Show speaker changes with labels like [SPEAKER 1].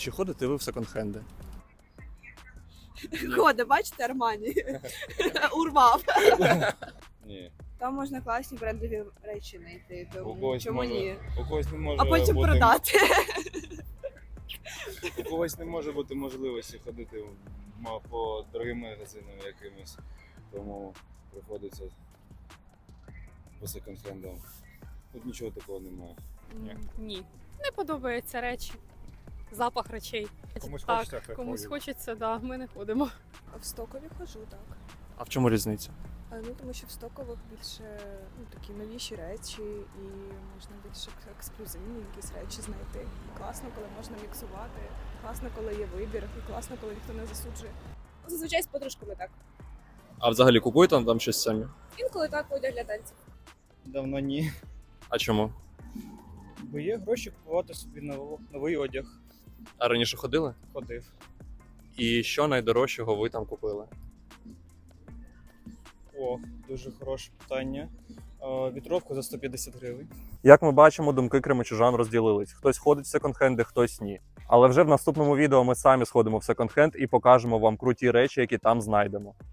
[SPEAKER 1] Чи ходите ви в секонд-хенди?
[SPEAKER 2] Ходи, бачите, Армані? Урвав.
[SPEAKER 3] Ні.
[SPEAKER 2] Там можна класні брендові речі знайти,
[SPEAKER 3] У
[SPEAKER 2] тому
[SPEAKER 3] когось
[SPEAKER 2] чому
[SPEAKER 3] може,
[SPEAKER 2] ні?
[SPEAKER 3] у когось не може
[SPEAKER 2] А потім
[SPEAKER 3] бути,
[SPEAKER 2] продати.
[SPEAKER 3] У когось не може бути можливості ходити по дорогим магазинам якимось, тому приходиться по секонд-хендам. Тут нічого такого немає.
[SPEAKER 4] Ні. Не подобаються речі. Запах речей.
[SPEAKER 5] Комусь
[SPEAKER 4] так,
[SPEAKER 5] хочеться, хай
[SPEAKER 4] комусь
[SPEAKER 5] ходить.
[SPEAKER 4] хочеться, да, ми не ходимо.
[SPEAKER 2] В стокові ходжу, так.
[SPEAKER 1] А в чому різниця?
[SPEAKER 2] Тому що в стокових більше такі новіші речі і можна більш ексклюзивні якісь речі знайти. Класно, коли можна міксувати, класно, коли є вибір, і класно, коли ніхто не засуджує. Зазвичай з подружками так.
[SPEAKER 1] А взагалі купуєте там щось самі?
[SPEAKER 2] Інколи так одяг для танців.
[SPEAKER 6] Давно ні.
[SPEAKER 1] А чому?
[SPEAKER 6] Бо є гроші купувати собі новий одяг.
[SPEAKER 1] А раніше ходили?
[SPEAKER 6] Ходив.
[SPEAKER 1] І що найдорожчого ви там купили?
[SPEAKER 6] О, дуже хороше питання. Вітровку за 150 гривень.
[SPEAKER 1] Як ми бачимо, думки кримчужан розділились. Хтось ходить в секонд-хенди, хтось ні. Але вже в наступному відео ми самі сходимо в секонд-хенд і покажемо вам круті речі, які там знайдемо.